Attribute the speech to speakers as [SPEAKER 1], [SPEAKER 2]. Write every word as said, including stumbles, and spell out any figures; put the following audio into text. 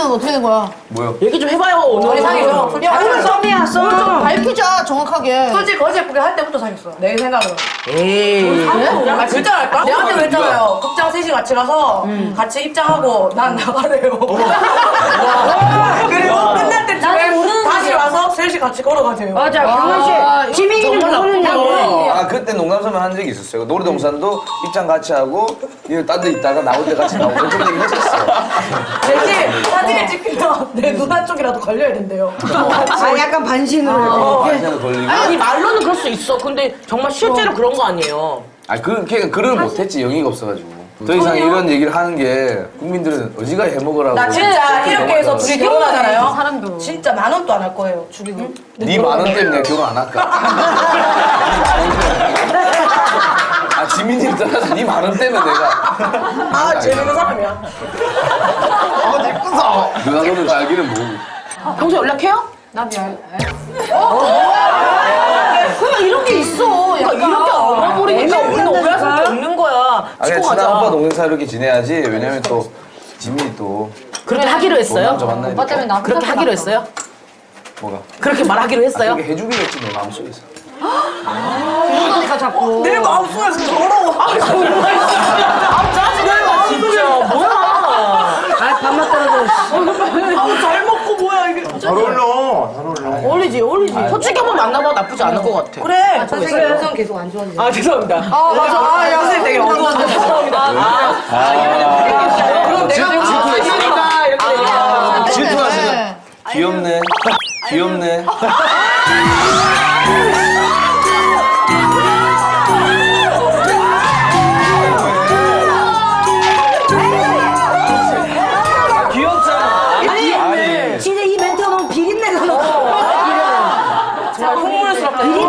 [SPEAKER 1] 지민이는 어떻게 된 거야?
[SPEAKER 2] 뭐요?
[SPEAKER 3] 얘기 좀 해봐요 오늘.
[SPEAKER 4] 우리 사귀죠.
[SPEAKER 1] 야, 오늘
[SPEAKER 4] 썸이야, 썸.
[SPEAKER 1] 좀 밝히자, 정확하게.
[SPEAKER 4] 솔직히 거지 예쁘게 할 때부터 사귀었어. 내 생각으로.
[SPEAKER 3] 에이.
[SPEAKER 4] 아, 진짜 할까? 내한테 그랬잖아요. 극장 셋이 같이 가서 같이 입장하고 난 나가래요. 그리고 끝날 때쯤에 다시 와서 셋이 같이 걸어가세요.
[SPEAKER 5] 맞아, 경원 씨. 지민이는 모르는 거.
[SPEAKER 2] 아 그때 농담삼아 한 적이 있었어요. 놀이동산도 입장 같이 하고 이거 딴 데 있다가 나올 때 같이 나오고 그런 얘기 했었어요.
[SPEAKER 4] 대신 사진을 찍히면 내 누나 쪽이라도 걸려야 된대요.
[SPEAKER 5] 아, 약간 반신으로.
[SPEAKER 2] 어, 완전 걸리고.
[SPEAKER 3] 아니 말로는 그럴 수 있어. 근데 정말 실제로 그런 거 아니에요.
[SPEAKER 2] 아 그 걔가 글을 못했지 영의가 없어가지고. 더 이상 이런 얘기를 하는 게 국민들은 어지간히 해먹으라고.
[SPEAKER 4] 나 진짜 이렇게 해서 둘이 결혼하잖아요.
[SPEAKER 1] 사람도.
[SPEAKER 4] 진짜 만 원도 안 할 거예요. 죽이고.
[SPEAKER 2] 네 만 원 때문에 내가 결혼 안 할까? 아 지민이를 떠나서 네 만 원 때문에 내가.
[SPEAKER 4] 아, 재밌는 사람이야.
[SPEAKER 2] 아 예쁘다. 누나 너는 알기는 모르고.
[SPEAKER 3] 평소 연락해요?
[SPEAKER 1] 나 미안.
[SPEAKER 3] 그러니까 이런 게 있어. 그러니까 이렇게 알아버리니까 우리는 오해할 수밖에 없는 거야.
[SPEAKER 2] 아
[SPEAKER 3] 치고
[SPEAKER 2] 그냥 친한
[SPEAKER 3] 가자.
[SPEAKER 2] 오빠 동생 사이 이렇게 지내야지. 왜냐면 또 지민이 또
[SPEAKER 3] 그렇게 하기로 했어요?
[SPEAKER 2] 남자 만나야
[SPEAKER 1] 오빠 때문에 나
[SPEAKER 3] 그렇게 하기로 했어요?
[SPEAKER 2] 뭐가?
[SPEAKER 3] 그렇게 말하기로 했어요?
[SPEAKER 2] 그렇게 해주기로 했지 내 마음속에서.
[SPEAKER 1] 그러니까 자꾸.
[SPEAKER 4] 내 마음속에서 더러워.
[SPEAKER 3] 아 정말 아 짜증나 진짜 뭐야.
[SPEAKER 5] 아, 밥맛 떨어져.
[SPEAKER 4] 아우, 잘 먹고 뭐야, 이게.
[SPEAKER 6] 잘 어울려. 잘 어울려.
[SPEAKER 3] 어울리지 어울리지. 솔직히 한번 만나봐 나쁘지 않을 것 같아.
[SPEAKER 4] 그래.
[SPEAKER 5] 선생님 음성 계속 안 좋아지죠.
[SPEAKER 3] 아 죄송합니다.
[SPEAKER 4] 아, 맞아. 아, 야, 선생님 되게 어두웠는데. 죄송합니다.
[SPEAKER 3] 그럼 내가 질투했으니까 이렇게 얘기해.
[SPEAKER 2] 질투하시네. 귀엽네. 귀엽네. 귀엽잖아.
[SPEAKER 5] 아니, 진짜 이 멘트가 너무 비린내가 나.
[SPEAKER 4] 정말 흉물스럽다.